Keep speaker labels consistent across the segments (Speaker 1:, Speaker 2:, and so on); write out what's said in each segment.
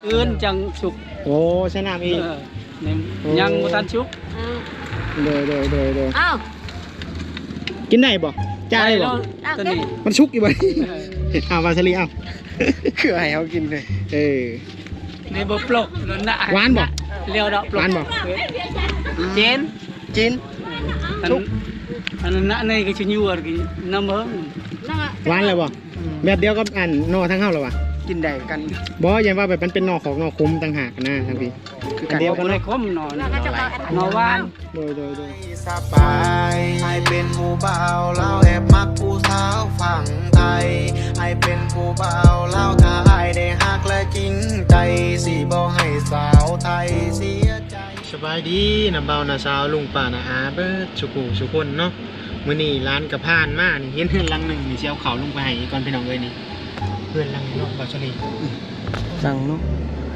Speaker 1: อื่นจังสุก
Speaker 2: โอ้ใช้น้ำอีก
Speaker 1: ยังบ่ทันสุก
Speaker 2: เดย
Speaker 3: อ้าว
Speaker 2: กินได้บ่จ่ายบ่
Speaker 1: ตัวนี้
Speaker 2: มันชุกอยู่บ่เอาวาซาลิเอาคือให้เขากินเลย
Speaker 1: นี่บ่ปลกนั่นน่ะ
Speaker 2: หวานบ่
Speaker 1: เลี้ยวดอกปลก
Speaker 2: หวานบ่
Speaker 1: เจน
Speaker 2: ชุก
Speaker 1: อันนั้นน่ะนี่ก็สิยั่วกินน้ำเบิ่ง
Speaker 2: หวานเลยบ่แบบเดียวกับอันนอทั้งเฮาหรอวะ
Speaker 4: กินได้กัน
Speaker 2: บ่ยังว่าแบบมันเป็นนอของนอคมต่างหากนะทางพี่
Speaker 1: คือกันเดียวกันเลยคมนอหวาน
Speaker 2: โดย
Speaker 5: สบายให้เป็นผู้บ่าวเล่าแอบมักผู้สาวฝั่งไทยให้เป็นผู้บ่าวเล่าถ้าอายได้ฮักและจริงใจสิบ่ให้สาวไทยเสียใจสบายดีนะเบานะสาวลุงป้านะอาเบิดสุคนเนาะมื้อนี้ร้านกระพานมานี่เห็นเฮือนหลังนึงนี่สิเอาข้าวลงไปให้ก่อนพี่น้องเอ้ยนี่เฮือนหลังนี้เนาะบ่ชลี
Speaker 4: สั่งเนาะ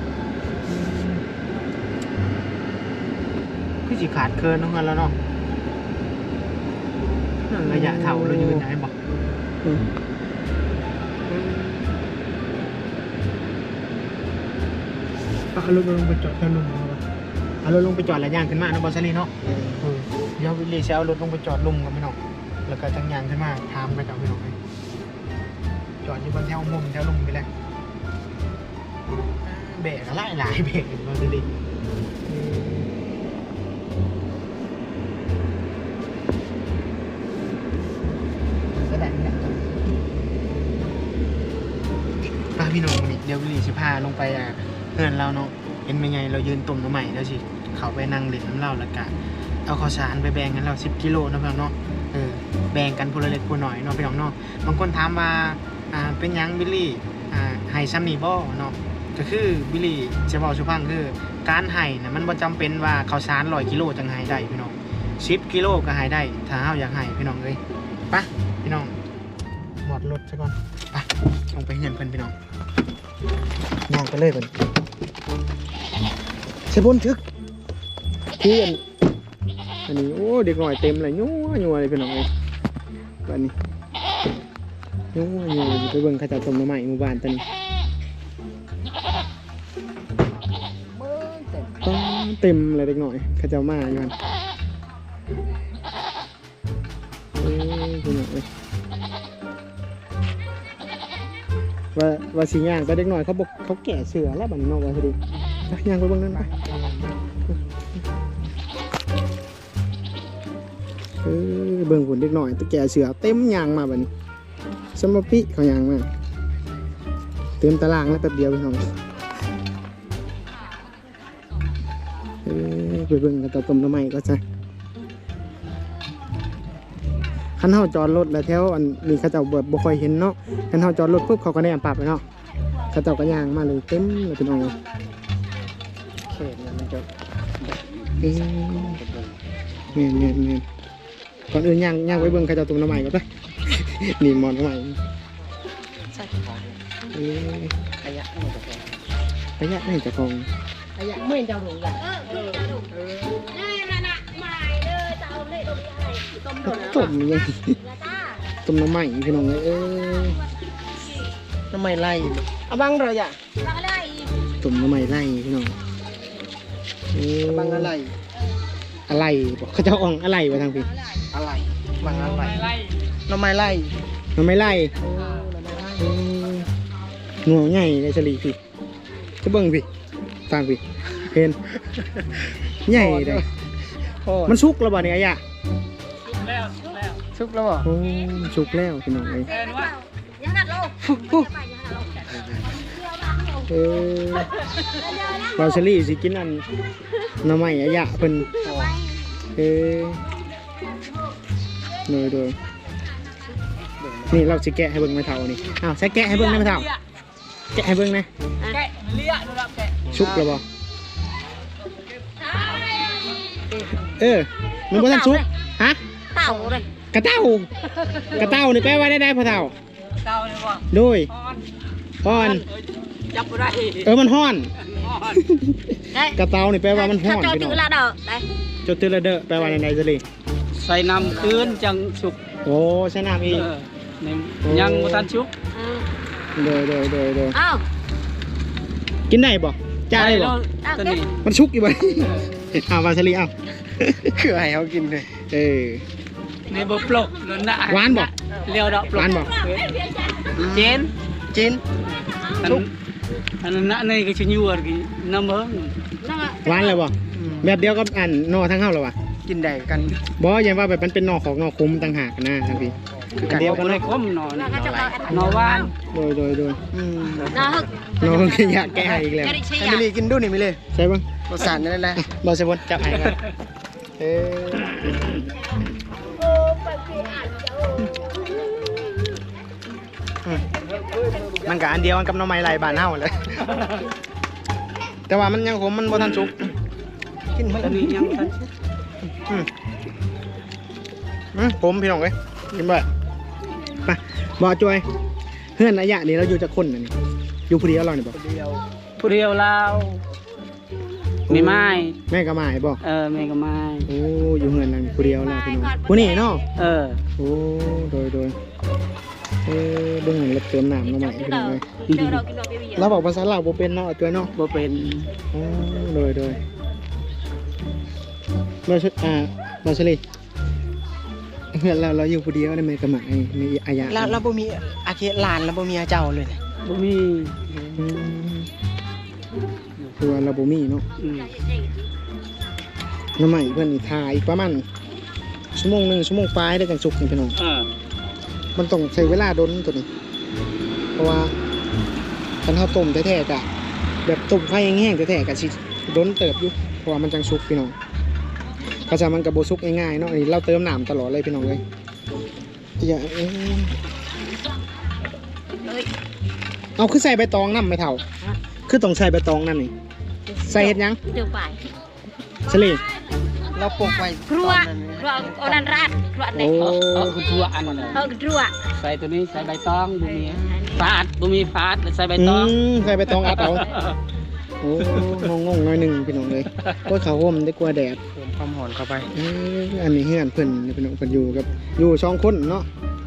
Speaker 5: คือสิขาดเคินเนาะแล้วเนาะระยะเท่าเรายืนได้บ่เอารถลงไปจอดกันลุมเอารถลงไปจอดแล้วย่างขึ้นมาเนาะบ่ชลีเนาะเดี๋ยววิลลี่สิเอารถลงไปจอดลุมกันพี่น้องแล้วก็จังย่างขึ้นมาถามไปกับพี่น้องจอดอยู่บนแถวมุมแถวลุมไปแล้วเบรกอะไรหลายเบรกเราดูดิแสดงเนี่ยป้าพี่น้องนี่เดี๋ยววิลลี่สิพาลงไปเพื่อนเราเนาะเห็นเป็นไงเรายืนตุ่มน้ำใหม่แล้วสิเขาไปนั่งเล่นน้ำเหล้าแล้วกันเอาข้าวสารไปแบ่งกันเรา10 กิโลนะพี่น้องเนาะแบ่งกันคนละเล็กคนหน่อยเนาะพี่น้องเนาะบางคนถามว่าเป็นยังวิลลี่ให้ซ้ำนี่บ่เนาะก็คือวิลลี่จะบอกสุพังคือการให้นะมันบ่จำเป็นว่าข้าวสาร100 กิโลจังให้ได้พี่น้อง10 กิโลก็ให้ได้ถ้าเฮาอยากให้พี่น้องเอ้ยไปพี่น้องหมดรถซะก่อนไปลงไปเงินเพิ่นพี่น้องย่างไปเลยเพิ่นเสบนทึกที่อันนี้โอ้เด็กหน่อยเต็มเลยยัวเลยพี่น้องเอ้ยแบบนี้ยัวไปเบิ่งข้าเจ้าต้มน้ำใหม่หมู่บ้านตอนนี้เต็มเลยเด็กหน่อยข้าเจ้ามาอยู่กันพี่น้องเอ้ยว่าสีย่างไปเด็กหน่อยเขาบอกเขาแก่เสือแล้วบันนอกว่าพอดีย่างไปเบิ่งนั่นไปเบิ่งผลเด็กหน่อยตะแก่เสือเต็มยางมาแบบนี้สมปิเขายางมาเต็มตารางแล้วแป๊บเดียวพี่น้องไปเบิ่งกันต่อต้มน้ำใหม่ก็จะคันเฮาจอดรถแล้วแถวอันนี้เขาเจ้าบ่ค่อยเห็นเนาะคันเฮาจอดรถปุ๊บเขาก็แนมปรับไปเนาะเขาเจ้าก็ยางมาเลยเต็มเลยพี่น้องเขตเนี่ยมันจะเงี้ยก่อนอื่นย่างไปเบิ่งใครจะตุ่มน้ำใหม่ก็ได้นี่มอนน้ำใหม่
Speaker 4: ขยะนี่จะฟอง
Speaker 2: ขยะนี่จะฟอง
Speaker 4: ขยะไม่จะหลงละ
Speaker 2: ต้มยังต้มน้ำใหม่พี่น้องเลย
Speaker 4: น้ำไม่ไล่เอาบังเลยอ่ะ
Speaker 2: ต้มน้ำใหม่ไล่พี่น้อง
Speaker 4: บังอะไร
Speaker 2: บอกเขาจะอ่องอะไรไปทางพี่
Speaker 4: อะไรบังอะไรน้ำไม่ไล่
Speaker 2: งัวใหญ่ในฉลีพี่จะเบิ่งพี่ฟังพี่เห็นใหญ่เลยมันชุกแล้วบ่เนี่ยย่า
Speaker 4: ชุกแล้วบ่
Speaker 2: ชุกแล้วพี่น้องเลยเราฉลีสิกินอันน้ำใหม่ย่าเพิ่นโดยนี่เราจะแกะให้เบิ่งไม่เท่านี่อ้าวใช้แกะให้เบิ่งได้ไม่เท่าแกะให้เบิ่งนะ
Speaker 1: แกะเลี้ยดูละแกะ
Speaker 2: ชุบแล้วบ่มันบ่ทันชุบฮะ
Speaker 3: เต่าเลย
Speaker 2: กระเต่านี่แปลว่าได้พ่อเท่า
Speaker 1: เต่าเลยบ่
Speaker 2: โดยฮ้อน
Speaker 1: จับบ่ได้
Speaker 2: มันฮ้อนกระเต่านี่แปลว่ามันฮ้อน
Speaker 3: พี่น้อง
Speaker 2: จดตือละเด้อแปลว่าในจะลี
Speaker 1: ใส่น้ำคืนจังสุก
Speaker 2: โอ้ใส่น้ำอีก
Speaker 1: ยังบ่ทันสุก
Speaker 2: โดย
Speaker 3: อ้าว
Speaker 2: กินได้บ่จ้าได้บ่
Speaker 1: ตัวนี้
Speaker 2: มันชุกอยู่บ่เอาวาซาลิเอา
Speaker 4: คือให้เขากินเลย
Speaker 2: เออ
Speaker 1: ในบ่ปลกแล้วนะ
Speaker 2: หวานบ่
Speaker 1: เลี้ยวดอกปล
Speaker 2: ห
Speaker 1: ก
Speaker 2: วานบ่
Speaker 1: เจน
Speaker 4: จิน
Speaker 1: อันนั้นน่ะในก็สิอยู่อ่ะกินน้ำเบิ่ง
Speaker 2: หวานเลยบ่แบบเดียวกับอันนอทั้งเฮาแล้วว่ะ
Speaker 4: กินได้กัน
Speaker 2: บ่ยังว่าแบบมันเป็นนอของนอคุ้มต่างหากนะทางพี่อันเดียวกัน
Speaker 1: บ่ได้
Speaker 2: เนาะ
Speaker 1: คมนอนหวาน
Speaker 2: โดย
Speaker 4: อืม
Speaker 2: นอขยะแก้ให้อีกแล้ว
Speaker 4: ให้มิลีกินดูนี่มิลี
Speaker 2: ใช่ป่ะ
Speaker 4: รสชาตินั่นแหละ
Speaker 2: บอลเซบอนจับไอ้กันเอมันกับอันเดียวกันกับหน้องไม้ลายบานเฮาเลย แต่ว่ามันยังขมมันบ่ทันสุก
Speaker 4: กินมัน
Speaker 1: ตัวนี้ยังทัน
Speaker 2: ผมพี่น้องเอ้ยกินบ่ไปบ่จวยเพื่อนระยะนี้เราอยู่จะคนนี่อยู่ผู้เดียวเราเนี่ยบ่
Speaker 1: ผู้เดียวลาวไม่ไม้
Speaker 2: แม่ก็มาบ่
Speaker 1: แม่ก็ไม้
Speaker 2: โอ้อยู่เฮือนนั่นผู้เดียวแล้วพี่น้องผู้นี้เนาะ โอ้โดยเบิ่งเหมือนเล็บเติมน้ำมาใหม่พี่น้องเลยเราบอกภาษาลาวบ่เป็นเนาะจวยเนาะ
Speaker 1: บ่เป็น
Speaker 2: โอ้โดยเราเฉลี่ยเพื่อนเราอยู่ผู้เดียวได้ไหมกระหม่มีอายะ
Speaker 4: แล้วบ่มีอาเคหลานแล้วบ่มีเจ้าเลย
Speaker 1: บ่มี
Speaker 2: คือว่าเราบ่มีเนาะ น้ำใหม่เพื่อนอีกทาอีกประมาณชั่วโมง1ชั่วโมงปลายได้จังสุกนี่พี่น้องมันต้องใช้เวลาดนตัวนี้เพราะว่าคันข้าวต้มแท้ๆกะแบบต้มไฟแห้งๆแท้ๆกะสิดนเติบอยู่เพราะว่ามันจังสุกพี่น้องกระชามันกระโบสุกง่ายๆเนาะอันนี้เราเติมน้ำตลอดเลยพี่น้องเลยอย่าเอาคือใส่ใบตองน้ำไม่เท่าคือต้องใส่ใบตองนั่นนี่ใส่เห็ดยัง
Speaker 3: เดี๋ยวไป
Speaker 2: สลี
Speaker 4: เราปลูกไว้
Speaker 3: ครัวเอานันราดครัว
Speaker 2: โอ้
Speaker 1: คือทั่วอันนั้น
Speaker 3: ครัว
Speaker 1: ใส่ตัวนี้ใส่ใบตองบ่มีฟาดบ่มีฟาดใส่ใบตอง
Speaker 2: ใส่ใบตองอัดเอาโอ้งงๆหน่อยหนึ่งพี่น้องเลยก็เขาห่มได้กลัวแดด
Speaker 4: เพิ่มความหอมเข้าไป
Speaker 2: อันนี้เฮือนเพิ่นพี่น้องเพิ่นอยู่กับอยู่สองคนเนาะ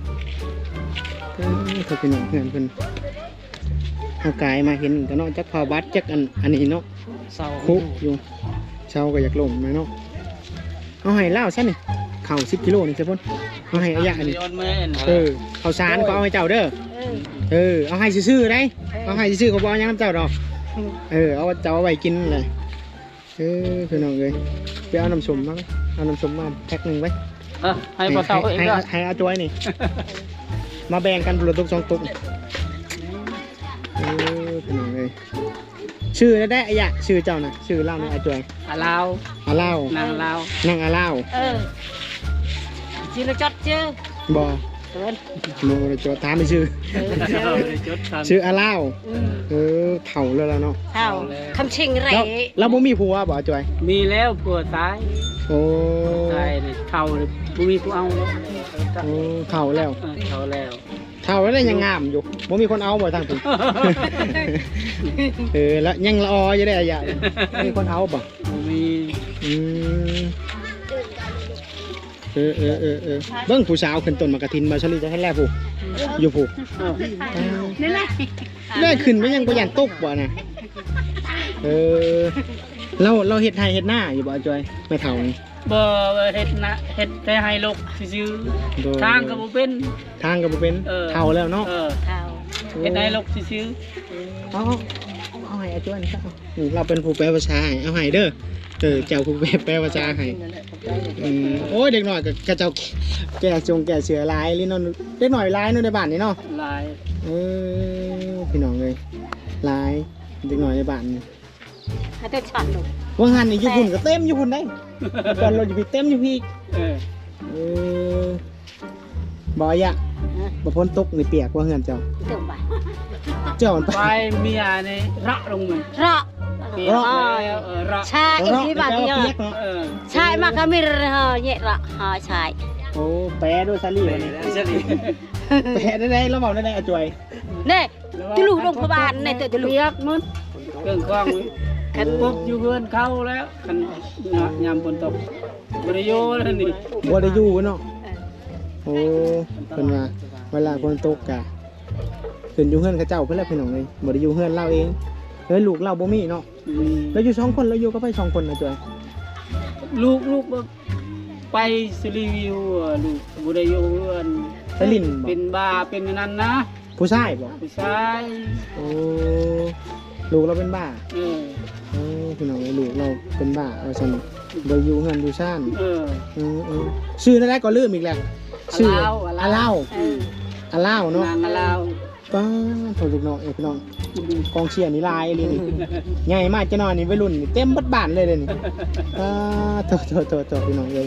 Speaker 2: เขาพี่น้องเฮือนเพิ่นเอากายมาเห็นก็เนาะจักพาบัดจักอันนี้เนาะ
Speaker 4: เศร้า
Speaker 2: คุกอยู่เช้าก็อยากลมไหมเนาะเอาให้เล่าซะนี่เข่า10 กิโลนี่ใช่ป่ะเอาให้อายะนี่ข้าวสารก็เอาให้เจ้าเด้อเอาให้ซื่อๆได้เอาให้ซื่อๆเขาบอกยังน้ำเจ้าดอกเอาเจ้าเอาไว้กินเลยพี่น้องเลยไปเอาน้ำส้มมาเอาน้ำส้มมาแพ็คหนึ่งไว้
Speaker 1: ให้บ่เซาเองก็
Speaker 2: ให้อาจวยนี่ มาแบ่งกันบุรุษตุก2 ตุกพี่น้องเลยชื่อได้อายะชื่อเจ้านะชื่อเล่าในอาจวย
Speaker 1: ลาว
Speaker 2: อาเล่าน
Speaker 1: างลาว
Speaker 2: นั่งอาเล่า
Speaker 3: ชื่อเราจดชื่อบ
Speaker 2: อโมเลยจดถามไม่ชื่อ ชื่ออาเล่าเถ่าเลยแล้วเนาะ
Speaker 3: เท่าคำชิงไร
Speaker 2: แล้วบ่มีผัวบ่อาจวย
Speaker 1: มีแล้วผัวตาย
Speaker 2: โอ้
Speaker 1: ตายนี่เฒ่าเลยบ่มีผู้เอาแล้ว
Speaker 2: เถ่าแล้ว
Speaker 1: เฒ่าแล้ว
Speaker 2: เท่าแล้วยังงามอยู่บ่มีคนเอาบ่ทางผม แล้วยังละอออยู่ได้อะยะมีคนเอาบ่
Speaker 1: บ่มี
Speaker 2: เบิ่งผู้สาวขึ้นต้นมะกะทินมาชลีจะให้แลผู้อยู่ผู้
Speaker 3: นี่แหละ
Speaker 2: ได้ขึ้นไม่ยังบ่ยันตกบ่น่ะเราเฮ็ดไร่เฮ็ดนาอยู่บ่จอยไม่เท่านี่
Speaker 1: บ่เฮ็ดนะเฮ็ดแต่ให้ลูกซื่อๆทางก็บ่เป็น
Speaker 2: ทางก็บ่เป็นเท่าแล้วเนาะ
Speaker 3: เท่า
Speaker 1: เฮ็ดให้ลูกซื่อ
Speaker 2: เอาให้อาจารย์ซะเราเป็นผู้แปลภาษาให้เอาให้เด้อเจ้าผู้แปลภาษาให้โอ้ยเด็กหน่อยก็เจ้าแก่เสือลายลิ้นนเด็กหน่อยลายนู่นในบ้านนี่เนาะ
Speaker 1: ๆหลาย
Speaker 2: พี่น้องเลยลายเด็กหน่อยในบ้านนี่
Speaker 3: ให้ตัวฉันลูก
Speaker 2: ว่างหันนี่อยู่พุ่นก็เต็มอยู่พุ่นได้ตอนเราอยู่พี่เต็มอยู่พี่บ่อยะบ่พ้นตกในเปียกว่าเฮือนเจ้า
Speaker 3: เติมไป
Speaker 2: เจ้ามันไป
Speaker 1: ไปเมียนี่ระลงมัน
Speaker 3: เรา
Speaker 1: เปียกแล้วระ
Speaker 3: ชายอีกที่บ้านที่
Speaker 2: เปียกเนาะ
Speaker 3: ชายมากมีเนี่ยละชาย
Speaker 2: โอ้แปรด้วยซาลี่วันนี้แปรได้เราบอกได้อาจวย
Speaker 3: เนี่ยที่ลูกโรงพยาบาลเนี่ยตัวที่ลูก
Speaker 1: เปียกมันเครื่องคล้องคันปุ๊บอยู่เพื่อนเข้าแล้วคันยามฝนตกบ่ได้อยู่แล้วนี่
Speaker 2: บ่ได้อยู่เนาะโอ้เพิ่นว่าเวลาฝนตกกะขึ้นอยู่เฮือนเขาเจ้าเพิ่นแล้วพี่น้องเลยบ่ได้อยู่เฮือนเราเองลูกเราบ่มีเนาะแล้วอยู่2คนแล้วอยู่ก็ไป2คนนะจอย
Speaker 1: ลูกไปสรีวิวลูกบุได้อยู่เพื่อน
Speaker 2: ไปลิ้นบ่
Speaker 1: เป็นบาเป็นนั่นนะ
Speaker 2: ผู้ชายบ่
Speaker 1: ผู้ชาย
Speaker 2: โอ้ลูกเราเป็นบ้า
Speaker 1: เออ
Speaker 2: พี่น้องลูกเราเป็นบ้าว่าซั่นบ่อยู่เฮือนอยู่ซ่าน
Speaker 1: เออ
Speaker 2: ชื่อนั่นแหละก็ลืมอีกแล้วชื่ออาเล่า
Speaker 3: เออ
Speaker 2: อาเล่าเนาะ
Speaker 1: นางลาว
Speaker 2: ป้าโทรลูกน้องพี่น้องกองเชียร์นี่ลายเลยนี่ใหญ่มากจะนอนนี่วัยรุ่นนี่เต็มบัดบ้านเลยนี่โทรพี่น้องเลย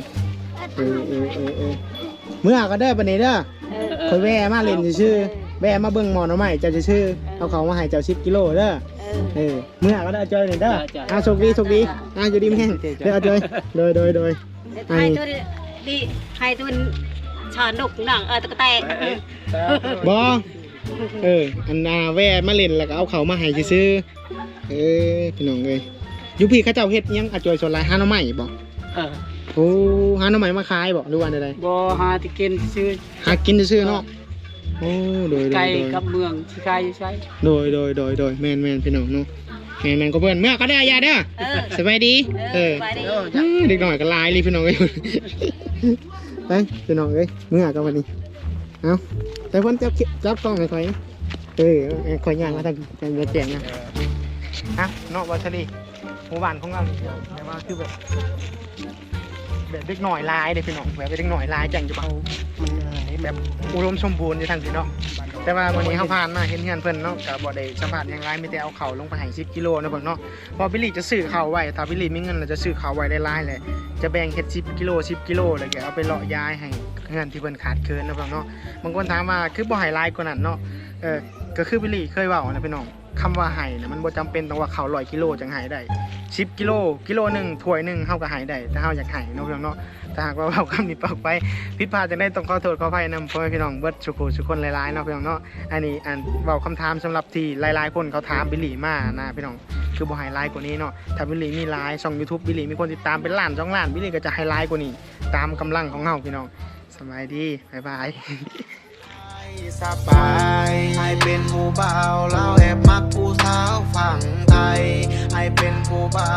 Speaker 2: เมื่อก็ได้ปานนี้เด้อคอยแว่มาเล่นชื่อแว่มาเบิ่งหมอน้องใหม่เจ้าจะชื่อเอาเขามาให้เจ้า10 กิโลเด้อเมื่อก็ได้จอยนี่เด้อโชคดีอยู่ดีแม่งเด้อจอยโดย
Speaker 3: ให้ตัวดีให้ตัวชอนกหนังตะกะแต
Speaker 2: บออันนาแว่มาเล่นแล้วก็เอาเขามาให้ซื้อพี่น้องเลยยุพี่เขาเจ้าเฮ็ดยังอาจอยส่วนไรหาหน่อไม้บ่ โอ้หาหน่อไม้มาขายบ่หรือว่าใด
Speaker 1: บ่หาที่กินซื้อ
Speaker 2: ๆหากินซื้อเนาะโอ้โดย
Speaker 1: ไก่กับเมืองที่ไก่อยู่ใช่
Speaker 2: โดยแม่นพี่น้องเนาะแม่นก็เพื่อนเมื่อก็ได้ยาเด้อสบายดีเด็กหน่อยก็ลายเลยพี่น้องเอ้ยไปพี่น้องเอ้ยเมื่อก็วันนี้เอาแต่เพิ่นจับกล้องให้ข่อยข่อยย่างมาทางแจงนะเนาะวัชรีหมู่บ้านของเราแต่ว่าคือแบบเด็กหน่อยลายเด็กพี่น้องแบบเด็กหน่อยลายจังจะเบามันแบบอุดมสมบูรณ์อยู่ทางพี่น้องแต่ว่าวันนี้เขาผ่านมาเห็นเงินเพิ่นเนาะกับบ่ได้สัมผัสยังไงไม่แต่เอาเข่าลงไปให้10 กิโลนะเพิ่นเนาะพอบิลลี่จะซื้อเข่าไว้ถ้าบิลลี่มีเงินเราจะซื้อเข่าไว้ได้หลายเลยจะแบ่งเฮ็ด10 กิโลแล้วก็เอาไปเลาะย้ายให้เงินที่เพิ่นขาดเคินนะเพิ่นเนาะบางคนถามว่าคือบ่ให้หลายกว่านั้นเนาะก็คือบิลลี่เคยเว้านะพี่น้องคำว่าไห้นะมันบ่จำเป็นต้องว่าเขา100 กิโลจังไห้ได้10 กิโลนึงถ้วยนึงเฮาก็ไห้ได้แต่เฮาอยากไห้เนาะพี่น้องเนาะถ้าหากว่าเว้าคำนี้ปากไปผิดพลาดจังได้ต้องขอโทษขออภัยนำพ่อแม่พี่น้องเบิดทุกคนหลายๆเนาะพี่น้องเนาะอันนี้เว้าคำถามสำหรับที่หลายๆคนเขาถามบิลลี่มานะพี่น้องคือบ่ไฮไลท์กว่านี้เนาะถ้าบิลลี่มีไลฟ์ช่อง YouTube บิลลี่มีคนติดตามเป็นล้าน2 ล้านบิลลี่ก็จะไฮไลท์กว่านี้ตามกำลังของเฮาพี่น้องสบายดีบ๊ายบาย
Speaker 6: สบายให้เป็นผู้บ่าวเราแอบมักผู้สาวฝั่งไทยให้เป็นผู้บ่าว